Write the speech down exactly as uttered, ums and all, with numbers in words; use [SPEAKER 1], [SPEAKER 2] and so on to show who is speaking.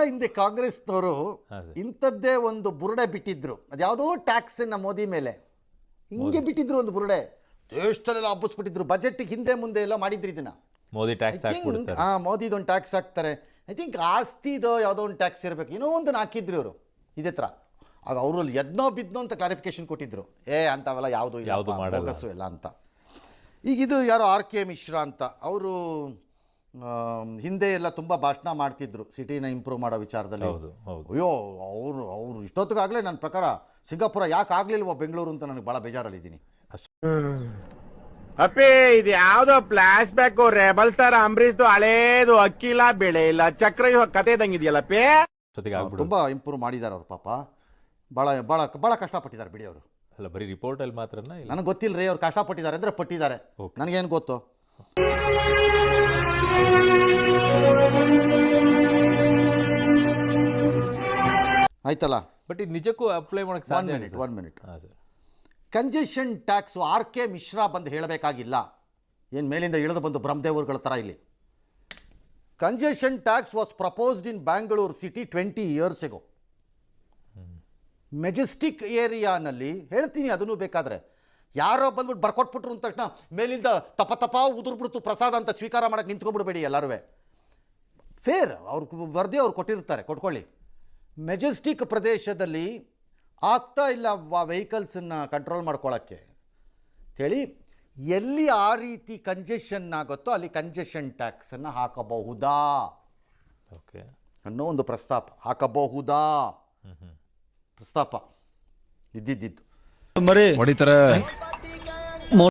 [SPEAKER 1] ಹಿಂದೆ ಕಾಂಗ್ರೆಸ್ನವರು ಇಂಥದ್ದೇ ಒಂದು ಬುರುಡೆ ಬಿಟ್ಟಿದ್ರು. ಅದ್ಯಾವುದೋ ಟ್ಯಾಕ್ಸನ್ನು ಮೋದಿ ಮೇಲೆ ಹಿಂಗೆ ಬಿಟ್ಟಿದ್ರು, ಒಂದು ಬುರುಡೆ ದೇಶದಲ್ಲೆಲ್ಲ ಹಬ್ಬಿಸ್ಬಿಟ್ಟಿದ್ರು. ಬಜೆಟ್ಗೆ ಹಿಂದೆ ಮುಂದೆ ಎಲ್ಲ ಮಾಡಿದ್ರು ಇದನ್ನ.
[SPEAKER 2] ಮೋದಿ ಟ್ಯಾಕ್ಸ್
[SPEAKER 1] ಹಾಂ, ಮೋದಿದೊಂದು ಟ್ಯಾಕ್ಸ್ ಹಾಕ್ತಾರೆ. ಐ ಥಿಂಕ್ ಆಸ್ತಿದೋ ಯಾವುದೋ ಒಂದು ಟ್ಯಾಕ್ಸ್ ಇರಬೇಕು, ಏನೋ ಒಂದು ಹಾಕಿದ್ರು ಇವರು ಇದೇ ಥರ. ಆಗ ಅವರು ಎದ್ನೋ ಬಿದ್ನೋ ಅಂತ ಕ್ಲಾರಿಫಿಕೇಶನ್ ಕೊಟ್ಟಿದ್ರು, ಏ ಅಂಥವೆಲ್ಲ ಯಾವುದು ಯಾವುದು ಬೋಗಸ್ಸು ಎಲ್ಲ ಅಂತ. ಈಗ ಇದು ಯಾರೋ ಆರ್ ಕೆ ಮಿಶ್ರಾ ಅಂತ, ಅವರು ಹಿಂದೆ ಎಲ್ಲ ತುಂಬ ಭಾಷಣ ಮಾಡ್ತಿದ್ರು ಸಿಟಿನ ಇಂಪ್ರೂವ್ ಮಾಡೋ ವಿಚಾರದಲ್ಲಿ. ಅಯ್ಯೋ ಅವರು ಅವರು ಇಷ್ಟೊತ್ತಿಗಾಗಲೇ ನನ್ನ ಪ್ರಕಾರ ಸಿಂಗಾಪುರ ಯಾಕೆ ಆಗಲಿಲ್ವೋ ಬೆಂಗಳೂರು ಅಂತ ನನಗೆ ಭಾಳ ಬೇಜಾರಲ್ಲಿದ್ದೀನಿ.
[SPEAKER 3] ಅಪ್ಪೇ ಇದು ಯಾವ್ದೋ ಫ್ಲಾಶ್ ಬ್ಯಾಕ್ ರೆಬಲ್ ಸ್ಟಾರ್ ಅಂಬರೀಶ್ದು ಹಳೇದು ಅಕ್ಕಿಲ್ಲ ಬೆಳೆ ಇಲ್ಲ ಚಕ್ರ ಕತೆ ಇದಂಗಿದೆಯಲ್ಲಪ್ಪೇ.
[SPEAKER 1] ತುಂಬ ಇಂಪ್ರೂವ್ ಮಾಡಿದ್ದಾರೆ ಅವ್ರು, ಪಾಪ ಭಾಳ ಭಾಳ ಭಾಳ ಕಷ್ಟಪಟ್ಟಿದ್ದಾರೆ ಬಿಡಿ ಅವರು.
[SPEAKER 2] ಅಲ್ಲ ಬರೀ ರಿಪೋರ್ಟ್ ಅಲ್ಲಿ ಮಾತ್ರ
[SPEAKER 1] ನನಗೆ ಗೊತ್ತಿಲ್ಲ ರೀ, ಅವ್ರು ಕಷ್ಟಪಟ್ಟಿದ್ದಾರೆ ಅಂದರೆ ಪಟ್ಟಿದ್ದಾರೆ, ನನಗೇನು ಗೊತ್ತು. ಆಯ್ತಲ್ಲ,
[SPEAKER 2] ಬಟ್ ಇದು ನಿಜಕ್ಕೂ ಅಪ್ಲೈ ಮಾಡಕ್ಕೆ ಸಾಧ್ಯ?
[SPEAKER 1] One minute one minute congestion tax R K Mishra ಬಂದು ಹೇಳಬೇಕಾಗಿಲ್ಲ, ಏನು ಮೇಲಿಂದ ಇಳಿದು ಬಂದು ಬ್ರಹ್ಮದೇವರುಗಳ ಥರ ಇಲ್ಲಿ. Congestion tax was proposed in Bangalore city twenty years ago. Majestic ಏರಿಯಾನಲ್ಲಿ ಹೇಳ್ತೀನಿ, ಅದನ್ನು ಬೇಕಾದರೆ ಯಾರೋ ಬಂದ್ಬಿಟ್ಟು ಬರ್ಕೊಟ್ಬಿಟ್ರು ಅಂದ ತಕ್ಷಣ ಮೇಲಿಂದ ತಪ ತಪ ಉದುರ್ಬಿಡ್ತು ಪ್ರಸಾದ ಅಂತ ಸ್ವೀಕಾರ ಮಾಡೋಕ್ಕೆ ನಿಂತ್ಕೊಂಡ್ಬಿಡ್ಬೇಡಿ ಎಲ್ಲರೂ. ಫೇರ್, ಅವ್ರು ವರದಿ ಅವ್ರು ಕೊಟ್ಟಿರ್ತಾರೆ, ಕೊಟ್ಕೊಳ್ಳಿ. ಮೆಜೆಸ್ಟಿಕ್ ಪ್ರದೇಶದಲ್ಲಿ ಆಗ್ತಾ ಇಲ್ಲ ವೆಹಿಕಲ್ಸನ್ನು ಕಂಟ್ರೋಲ್ ಮಾಡ್ಕೊಳ್ಳೋಕ್ಕೆ ಹೇಳಿ, ಎಲ್ಲಿ ಆ ರೀತಿ ಕಂಜೆಷನ್ ಆಗುತ್ತೋ ಅಲ್ಲಿ ಕಂಜೆಷನ್ ಟ್ಯಾಕ್ಸನ್ನು ಹಾಕಬಹುದಾ
[SPEAKER 2] ಓಕೆ
[SPEAKER 1] ಅನ್ನೋ ಒಂದು ಪ್ರಸ್ತಾಪ, ಹಾಕಬಹುದಾ ಪ್ರಸ್ತಾಪ ಇದ್ದಿದ್ದಿದ್ದು.
[SPEAKER 4] ಹೊಡಿತಾರೆ